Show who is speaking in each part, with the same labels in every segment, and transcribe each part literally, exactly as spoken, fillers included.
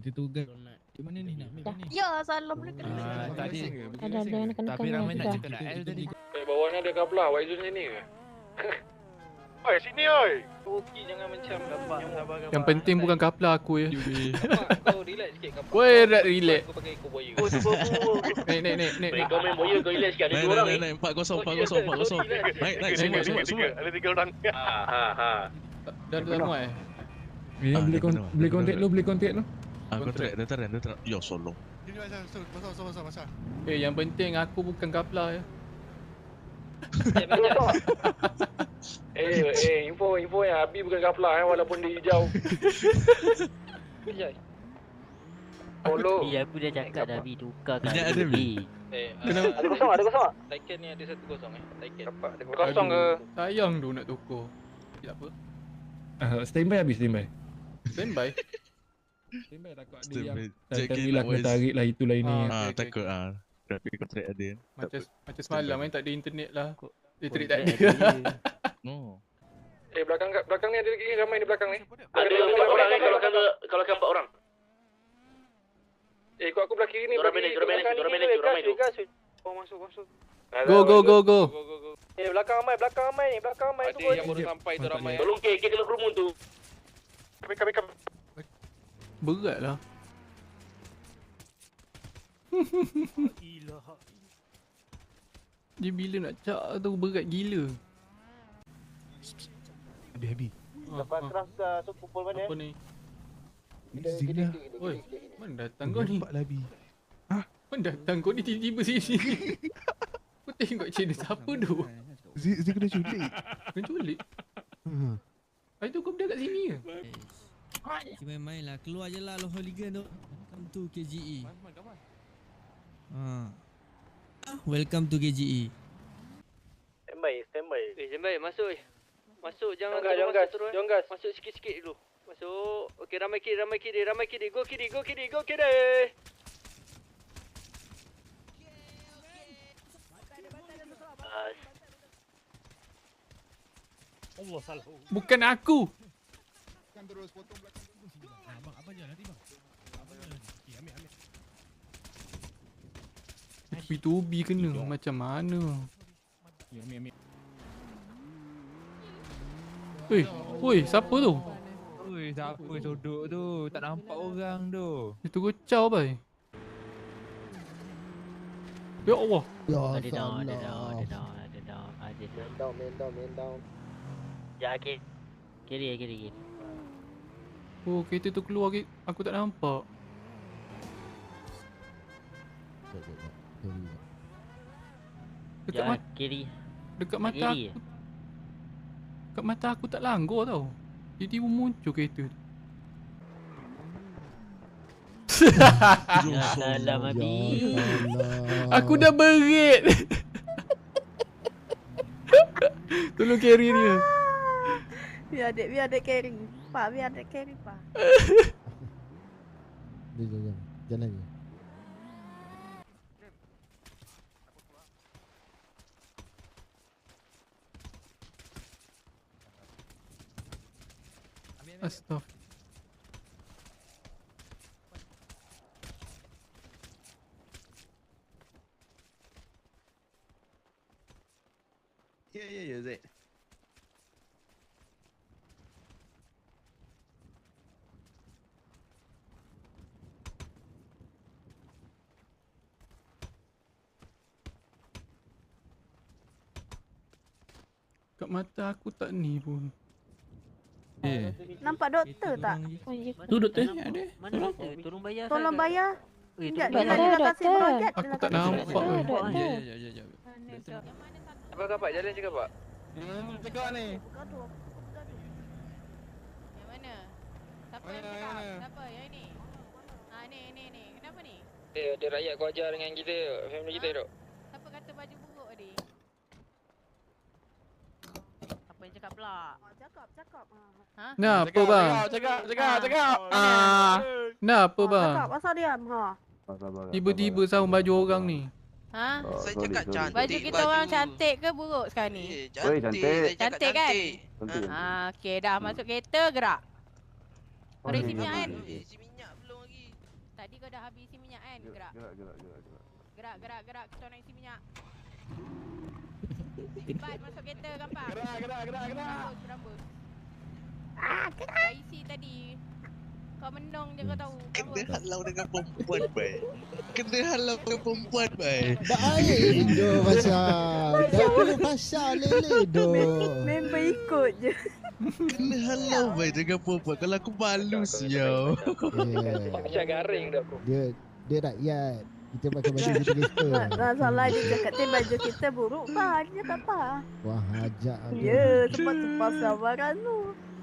Speaker 1: kita tugas. Di mana ni nak ambil ni?
Speaker 2: Ya, salam boleh kena.
Speaker 3: Ah, tadi
Speaker 4: Ada ada yang kena
Speaker 3: tapi ramai nak cakap nak L tadi.
Speaker 5: Eh, bawah ni ada kablah. Waizul sini ke? Oi, sini oi. Okey, jangan macam gambar.
Speaker 6: Yang penting bukan kapla aku ya.
Speaker 5: Kau relax sikit kapal.
Speaker 6: Woi, relax.
Speaker 5: Kau pakai ekor buaya.
Speaker 6: Oh, Naik, naik, naik, naik.
Speaker 5: Kau main buaya, kau relax sikit. Ada
Speaker 3: Naik,
Speaker 5: dua orang
Speaker 3: naik,
Speaker 5: ni.
Speaker 3: naik, empat kosong, empat kosong, empat kosong. Naik, naik, semua, semua, semua.
Speaker 5: Ada tiga orang. Ha, ha, ha.
Speaker 6: Dah dah muat eh.
Speaker 1: Eh,
Speaker 3: Ah,
Speaker 1: boleh
Speaker 3: dia
Speaker 1: kon
Speaker 3: kena,
Speaker 1: boleh
Speaker 3: dia
Speaker 1: kontak
Speaker 3: kena.
Speaker 1: lu, boleh kontak lu.
Speaker 3: Ah, kontrak, dia tarik, dia tarik. Ya, solo.
Speaker 6: Eh, yang penting aku bukan kapla ya.
Speaker 5: Eh, eh, info info yang Abi bukan kaplah eh, walaupun dia hijau. Kejap. Follow.
Speaker 7: Iya, aku dah cakap dah Bi tukar kan.
Speaker 3: Minyak ada, Bi?
Speaker 5: Eh,
Speaker 6: Kenapa?
Speaker 5: ada kosong, ada kosong. Taiken ni ada satu kosong eh. Taiken. Dapat. Ada kosong ke?
Speaker 6: Sayang tu nak tukar. Tak apa.
Speaker 1: Ah, standby habis standby.
Speaker 6: Standby.
Speaker 1: Standby takut ada
Speaker 3: Standby.
Speaker 1: yang
Speaker 3: Check
Speaker 1: tak
Speaker 3: in
Speaker 1: bilang
Speaker 3: lah,
Speaker 1: kena
Speaker 3: Wais.
Speaker 1: tarik lah itulah ini.
Speaker 6: Ah.
Speaker 3: Ah,
Speaker 6: okey,
Speaker 3: takut ah. Tapi kontrak ada.
Speaker 6: Macam macam semalam eh tak ada internet lah. Listrik
Speaker 7: Kontrak
Speaker 6: tak ada.
Speaker 7: ada.
Speaker 3: No.
Speaker 5: Eh, belakang belakang ni ada lagi ramai di belakang ni.
Speaker 8: Ada empat orang ni kalau kalau kalau kan empat orang.
Speaker 5: Eh, ikut aku belah kiri ni.
Speaker 8: Dorang manage, dorang manage, dorang manage, dorang manage.
Speaker 5: Oh, masuk, masuk.
Speaker 6: Go go go go.
Speaker 5: Go, go, go. Eh, belakang ramai, belakang ramai ni, belakang ramai tu. Ada yang baru sampai tu ramai.
Speaker 8: Tolong ke ke kena kerumun tu.
Speaker 5: Kami, kami, kami.
Speaker 6: Berat lah. Dia bila nak cak tu berat gila.
Speaker 1: Habis habis.
Speaker 5: Lepas keras dah tu pukul mana?
Speaker 6: Apa ni?
Speaker 1: Zina.
Speaker 6: Oi, mana datang kau ni?
Speaker 1: Nampak lah Bi.
Speaker 6: Mana datang kau ni tiba-tiba sini? Kau tengok channel siapa tu?
Speaker 1: Zina kena culik.
Speaker 6: Kau culik?
Speaker 1: Ha.
Speaker 6: Hari tu kau berada kat sini ke?
Speaker 9: Kita main-main lah. Keluar je lah low hooligan tu. Welcome to K G E. Ha. Welcome to K G E.
Speaker 5: Standby, standby.
Speaker 8: Eh, Jembai, masuk. Masuk, jangan
Speaker 5: Jangan gas,
Speaker 8: terus masuk terus.
Speaker 5: jangan gas.
Speaker 8: Masuk sikit-sikit dulu. Masuk. Okey, ramai kiri, ramai kiri, ramai kiri. Go kiri, go kiri, go kiri. Bas.
Speaker 6: Bukan aku.
Speaker 1: Abang apa je nanti bang. Apa je nanti. Okey, ambil ambil.
Speaker 6: B two B kena macam mana?
Speaker 1: Ya, ambil ambil.
Speaker 6: Weh, woi, siapa tu?
Speaker 3: Oi, siapa duduk tu? Tak nampak orang tu.
Speaker 6: Itu kocau bai. Ya Allah.
Speaker 7: Ada down, ada down, ada down, ada down, ada down.
Speaker 5: Down, man down, man down.
Speaker 7: Ya, kiri. Kiri, kiri, kiri.
Speaker 6: Oh, kereta tu keluar ke? Aku tak nampak. Dekat
Speaker 7: Ya,
Speaker 6: mata,
Speaker 7: kiri.
Speaker 6: dekat mata
Speaker 7: Kiri.
Speaker 6: aku. Dekat mata aku tak langgar tau. Tiba-tiba muncul kereta tu.
Speaker 7: Ya, salam Abi.
Speaker 6: Aku dah berit. Tolong carry dia.
Speaker 2: Biar adik, biar adik carry. Pak, biar adik carry, Pak.
Speaker 10: Jalan, jalan je.
Speaker 6: Astagfirullah.
Speaker 3: Ya, ya, ya, Zaid.
Speaker 6: Kat mata aku tak ni pun.
Speaker 1: Eh,
Speaker 2: Nampak doktor tak?
Speaker 9: Tu doktor
Speaker 7: Mana
Speaker 9: ada.
Speaker 7: Mana ada? Tolong bayar.
Speaker 2: Tolong
Speaker 7: saya.
Speaker 2: bayar.
Speaker 7: Eh,
Speaker 2: Sekejap,
Speaker 7: tolong
Speaker 2: dia
Speaker 7: bayar.
Speaker 2: dah kasih projek.
Speaker 6: Aku tak nampak weh.
Speaker 9: Ya, ya, ya, ya.
Speaker 5: Apa kau pak jalan cakap pak?
Speaker 1: hmm, cakap ni.
Speaker 2: Gaduh, gaduh.
Speaker 11: Yang mana? Siapa yang
Speaker 1: Mana,
Speaker 11: cakap?
Speaker 1: mana?
Speaker 11: Siapa? Yang ni? Ha ni ni ni. Kenapa ni?
Speaker 5: Eh, ada rakyat kau ajar dengan kita, family kita dok.
Speaker 11: Siapa kata baju buruk tadi? Apa yang cakap pula?
Speaker 2: Ah, Cakap, cakap.
Speaker 11: Ha?
Speaker 6: Nah, apa bang?
Speaker 1: Cakap, cakap, cakap.
Speaker 6: Ah, nah apa bang?
Speaker 2: Cakap, asal diam. Ha.
Speaker 6: Tiba-tiba sama baju orang ni.
Speaker 11: Ha?
Speaker 8: Saya cakap cantik.
Speaker 11: Baju kita orang cantik ke buruk sekarang ni?
Speaker 8: Eh, cantik. Saya cakap
Speaker 11: Cantik kan?
Speaker 8: cantik.
Speaker 11: Ha, okey dah masuk kereta gerak. Mari si minyak kan?
Speaker 8: Eh, si minyak belum lagi.
Speaker 11: Tadi kau dah habis isi minyak kan? Gerak.
Speaker 5: Gerak, gerak, gerak, gerak.
Speaker 11: Gerak, gerak, gerak. Kita nak isi minyak. Cepat masuk kereta, gampang.
Speaker 5: Gerak, gerak, gerak, gerak.
Speaker 11: Berambus, berambus. Ah, gerak. Dah isi tadi. Kau menung je kau tahu.
Speaker 4: Kena halau dengan perempuan, baik. Kena halau dengan perempuan, baik.
Speaker 10: Baik do pasal. Dah perlu pasal lele do.
Speaker 2: Member ikut je.
Speaker 4: Kena halau baik dengan perempuan. Kalau aku malu siau.
Speaker 8: Macam garing dah aku.
Speaker 10: Dia dia rakyat. Kita pakai baju kita kita.
Speaker 2: Masalah dia cakap tu baju kita buruk pak. Dia tak apa.
Speaker 10: Wah, ajak aku.
Speaker 2: Ya, sebab tu pasal barang tu.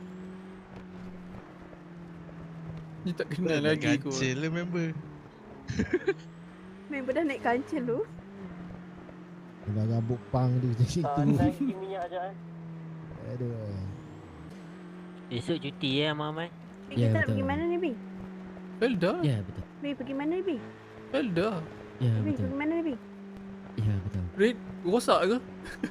Speaker 6: Dia tak kenal lagi kot.
Speaker 4: Kancil lah member.
Speaker 2: Member dah naik kancil tu.
Speaker 10: Dah rambut pang dia macam itu.
Speaker 8: Naik minyak je kan.
Speaker 10: Aduh.
Speaker 7: Esok cuti ya, Mamai.
Speaker 2: Bi, kita nak pergi mana ni, Bi?
Speaker 6: Felda.
Speaker 7: Ya, betul.
Speaker 2: Bi, pergi mana ni, Bi?
Speaker 6: Felda.
Speaker 7: Ya,
Speaker 2: Bi,
Speaker 7: betul.
Speaker 2: pergi mana ni, Bi?
Speaker 7: Ya, betul.
Speaker 6: Red rosak ke?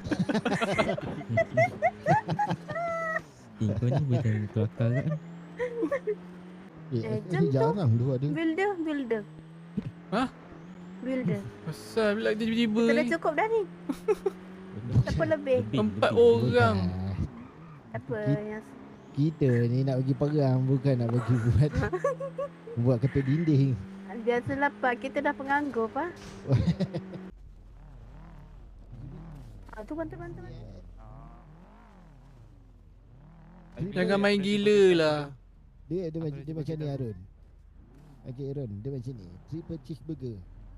Speaker 7: Eh, kau ni betul kelakar kan?
Speaker 10: Eh,
Speaker 2: Eh,
Speaker 10: eh,
Speaker 2: jom tu.
Speaker 10: jarang dua dia.
Speaker 2: Builder, builder.
Speaker 6: Hah?
Speaker 2: Builder.
Speaker 6: Pasal bila tiba-tiba
Speaker 2: Kita dah
Speaker 6: ni.
Speaker 2: cukup dah ni. Tak apa lebih.
Speaker 7: Lebih,
Speaker 6: Empat
Speaker 7: lebih.
Speaker 6: orang.
Speaker 2: Tak apa
Speaker 10: Kita-
Speaker 2: yang
Speaker 10: Kita ni nak pergi perang, bukan nak pergi buat buat ketuk dinding.
Speaker 2: biasalah pak, kita dah penganggur pak. Ah tu bantu bantu. bantu.
Speaker 6: Jangan main gila lah.
Speaker 10: Dia dia macam dia macam ni Arun. Okey Arun, dia macam ni. Triple cheeseburger.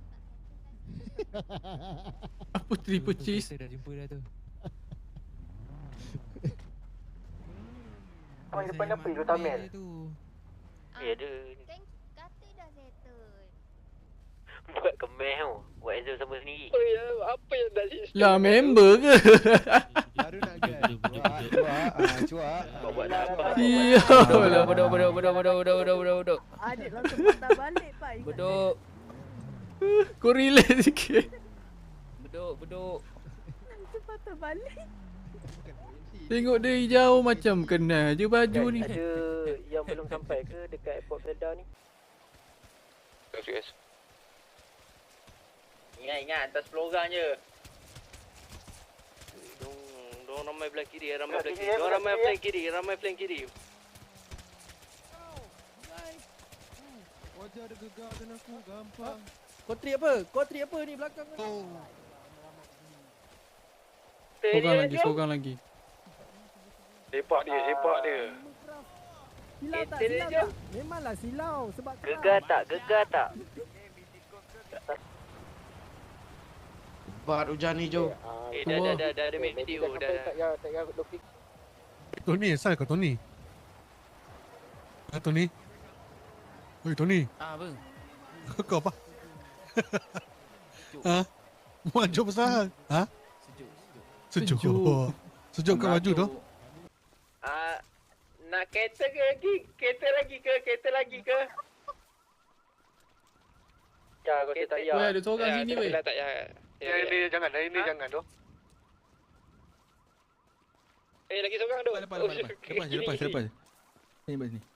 Speaker 6: Apa triple cheese?
Speaker 3: Kita dah jumpa dah tu.
Speaker 8: Apa depan apa tu Tamil?
Speaker 7: Ya, ada.
Speaker 11: Kata dah settle.
Speaker 7: Buat kemeh tau. Buat exam sama sendiri.
Speaker 8: Apa ya? Apa yang dah sistem?
Speaker 6: Lah member ke?
Speaker 5: Baru nak get. Cuak, cuak, ah, cuak.
Speaker 8: Kau buat apa?
Speaker 6: Iya.
Speaker 8: Beduk, beduk, beduk, beduk, beduk, beduk, beduk, beduk, beduk.
Speaker 2: Adik langsung patah balik pak. ingat
Speaker 8: Beduk,
Speaker 6: Kau relate sikit.
Speaker 8: beduk, beduk.
Speaker 2: Langsung patah balik.
Speaker 6: Tengok dia hijau macam kenal je baju ni.
Speaker 8: Ada yang belum sampai ke dekat airport Felda ni?
Speaker 5: Yes.
Speaker 8: Ingat, ingat. Hantar sepuluh orang je. Dong, dong ramai belah kiri, ramai belah kiri. Dong ramai flank kiri, ramai flank kiri.
Speaker 3: Wajah ada gegarkan aku, gampang.
Speaker 8: Kau tri apa? Kau tri apa ni belakang ni?
Speaker 6: Seorang lagi, seorang lagi.
Speaker 5: Sepak dia, sepak dia.
Speaker 2: Silau tak?
Speaker 8: Kita
Speaker 2: Silau
Speaker 8: je.
Speaker 2: tak? Memanglah silau sebab
Speaker 8: Gegar tak? Gegar tak?
Speaker 4: Bat hujan hijau.
Speaker 8: Eh, dah, dah, dah, dah ada make video. Dah, dah.
Speaker 1: Tony, asal kau Tony? Ah, Tony? Oi, Tony.
Speaker 3: Ah, bang.
Speaker 1: Kau apa? Ha? Maju besar. Ha?
Speaker 6: Sejuk.
Speaker 1: Sejuk. Sejuk kat baju tu.
Speaker 8: Ah, nak kereta ke lagi? Kereta lagi ke? Kereta lagi ke? Ya, kau tak payah.
Speaker 6: Weh, ada seorang sini weh.
Speaker 8: Tak payah.
Speaker 5: Yang ini jangan, yang ini jangan tu.
Speaker 8: Eh, lagi seorang tu.
Speaker 3: Lepas, lepas, lepas. Lepas je, lepas je, lepas je. Sini, lepas sini.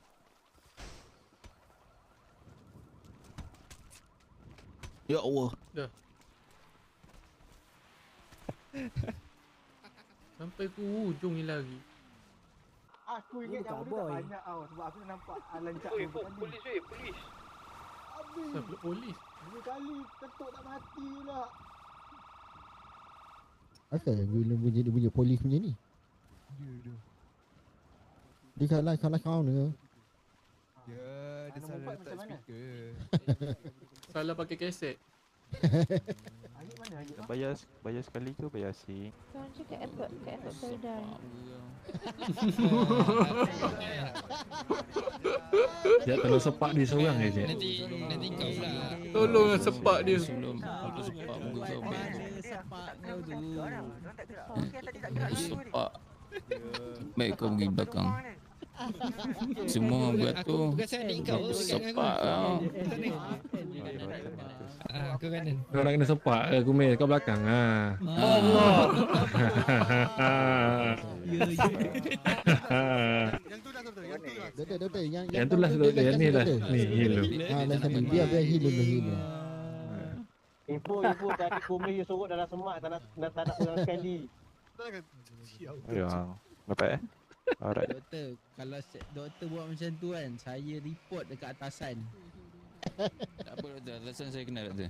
Speaker 3: Ya Allah.
Speaker 6: Dah. Sampai ke hujung ni lagi.
Speaker 12: Aku ingat yang tu tak banyak tau. Sebab aku nampak lancak
Speaker 8: Oi,
Speaker 12: tu tadi.
Speaker 8: polis weh, polis.
Speaker 12: Habis.
Speaker 6: Sampai polis.
Speaker 12: Dua kali ketuk tak mati pula.
Speaker 10: Asal bila bunyi dia bunyi polis punya ni? Dia kalah kalah kau ni.
Speaker 3: Ya, dia
Speaker 12: Mana
Speaker 3: salah
Speaker 12: Mufat
Speaker 3: letak
Speaker 12: macam mana?
Speaker 3: speaker.
Speaker 6: Salah pakai kaset.
Speaker 12: Ayat mana ayat?
Speaker 5: Bayar bayar sekali ke bayar asing?
Speaker 11: Kau cakap airport, kat airport Felda ni.
Speaker 3: Dia tolong sepak dia seorang je.
Speaker 9: Nanti nanti kau pula.
Speaker 6: Tolong sepak dia.
Speaker 3: Sebelum aku sepak muka kau baik.
Speaker 9: Sepak kau tu.
Speaker 3: Sepak. Baik kau pergi belakang. Semua buat tu
Speaker 9: Bukan adik kau.
Speaker 3: sepak kau.
Speaker 9: Ah, kau kanan.
Speaker 3: Kau nak kena sepak ke aku main kau belakang ah.
Speaker 9: Ya, ya.
Speaker 1: Yang tu dah tu.
Speaker 10: Doktor, doktor. Yang,
Speaker 5: Yang tu lah doktor, yang ni lah. Ni, healer.
Speaker 10: Ha, lah sana. Biar, biar healer dulu, healer.
Speaker 12: Info, info tadi kumis yang sorok dalam semak tak nak tak tak nak ulang sekali.
Speaker 5: Ya, dapat eh? Alright.
Speaker 9: Doktor, kalau se- doktor buat macam tu kan, saya report dekat atasan.
Speaker 3: Tak apa doktor, alasan saya kenal doktor.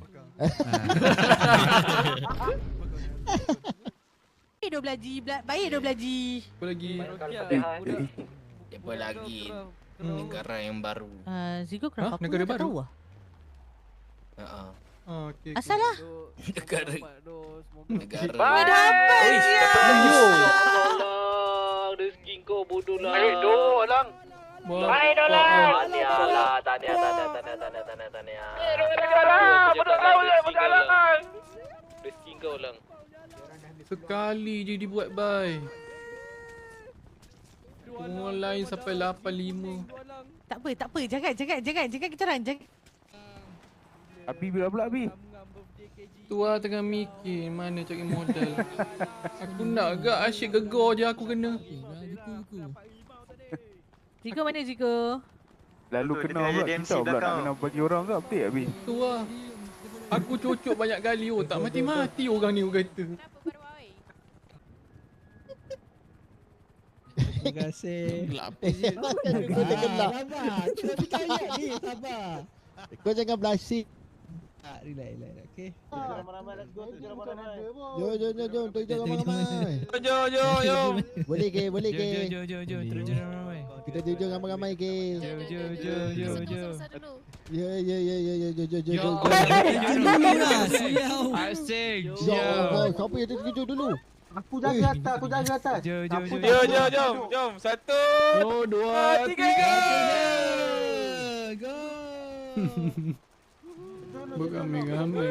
Speaker 11: Baik dua belaji, bela- baik dua belaji.
Speaker 6: Apa lagi?
Speaker 3: Apa lagi? Negara yang baru.
Speaker 11: Uh, Zigo kenapa
Speaker 6: Hah?
Speaker 11: aku
Speaker 6: Negara
Speaker 11: tak
Speaker 6: baru?
Speaker 11: tahu ah?
Speaker 3: Ha.
Speaker 6: Oh, okey.
Speaker 11: Asal lah.
Speaker 3: Negara. Negara.
Speaker 11: Ada apa dia?
Speaker 6: Ayo.
Speaker 8: Tolong, rezeki kau bodoh lah.
Speaker 5: Eh, doh lang.
Speaker 8: Hai dolang. Tahniah lah, tahniah, tahniah, tahniah, tahniah, tahniah, tahniah. Eh, dolang, bodoh kau lah, bodoh lah. Rezeki kau lang.
Speaker 6: Sekali je dibuat bye. Orang lain sampai lapan lima.
Speaker 11: Tak apa, tak apa. Jangan, jangan, jangan, jangan kita orang. Jangan.
Speaker 5: Abi bila pula Abi?
Speaker 6: Tua tengah mikir mana cari modal. Aku nak agak asyik gegar je aku kena.
Speaker 11: Zigo mana Zigo?
Speaker 5: Lalu kena pula kita pula nak kena bagi orang ke update Abi?
Speaker 6: Tua. Aku cocok banyak kali oh tak mati-mati orang ni orang kata.
Speaker 9: Terima kasih.
Speaker 3: Gelap.
Speaker 10: Eh, kau jangan gelap.
Speaker 9: Sabar, kita percaya ni, sabar.
Speaker 10: Kau jangan belasik.
Speaker 9: Ah, relax, relax, okey.
Speaker 12: Ramai-ramai let's go tu ramai-ramai.
Speaker 10: Jom, jom, jom, jom. Tunjuk ramai-ramai.
Speaker 3: Jom, jom, jom.
Speaker 10: Boleh ke? Boleh ke?
Speaker 3: Jom, jom, jom. Terus jom ramai.
Speaker 10: Kita tunjuk ramai-ramai ke?
Speaker 3: Jom, jom, jom, jom, jom.
Speaker 10: Ya, ya, ya, ya, ya, jom, jom, jom, jom.
Speaker 9: Dulu lah, sial.
Speaker 3: Asik.
Speaker 10: Ya Allah, siapa yang tunjuk dulu?
Speaker 12: Aku jaga atas, aku jaga atas.
Speaker 3: Jom, jom, jom.
Speaker 5: Jom, jom, jom, jom. Satu,
Speaker 6: Oh, dua,
Speaker 5: tiga.
Speaker 9: Go.
Speaker 6: Beramai-ramai.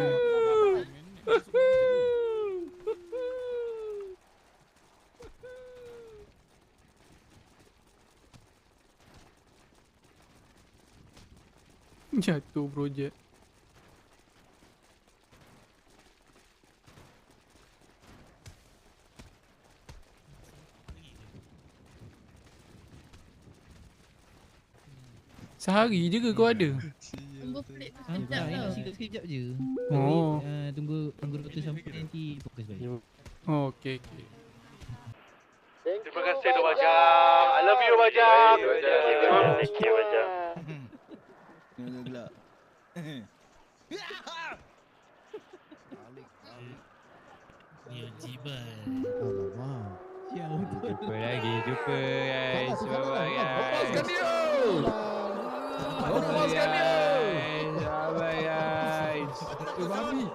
Speaker 6: Jatuh projek. Sehari je ke kau ada?
Speaker 11: Tunggu pelik tu
Speaker 9: Ah,
Speaker 11: sekejap
Speaker 9: ini
Speaker 11: tau.
Speaker 9: sikit sekejap je.
Speaker 6: Oh.
Speaker 9: Ah, tunggu tunggu doktor sampai nanti fokus balik.
Speaker 6: Oh, okey okey.
Speaker 5: Terima kasih tu Bajang. I love you Bajang.
Speaker 8: Thank you, Bajang.
Speaker 3: Gelap.
Speaker 1: Dia jiban.
Speaker 10: Alamak.
Speaker 9: Sial betul.
Speaker 3: Jumpa lagi, jumpa guys.
Speaker 10: Salah, salah,
Speaker 3: Bye-bye
Speaker 10: salah.
Speaker 3: guys.
Speaker 6: Lepaskan dia.
Speaker 3: Bye guys.
Speaker 10: Eh, babi.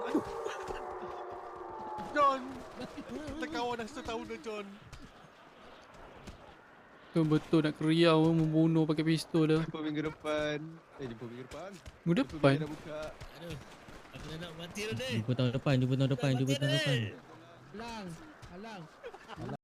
Speaker 4: John. Kita kawan dah setahun dah John.
Speaker 6: Tu betul nak keriau membunuh pakai pistol dah.
Speaker 4: Jumpa minggu depan. Eh jumpa minggu depan.
Speaker 6: Minggu depan.
Speaker 4: Dah buka.
Speaker 1: Aduh. Aku dah nak mati dah ni.
Speaker 9: Jumpa tahun depan, jumpa tahun depan, jumpa tahun depan.
Speaker 10: Alang. Alang.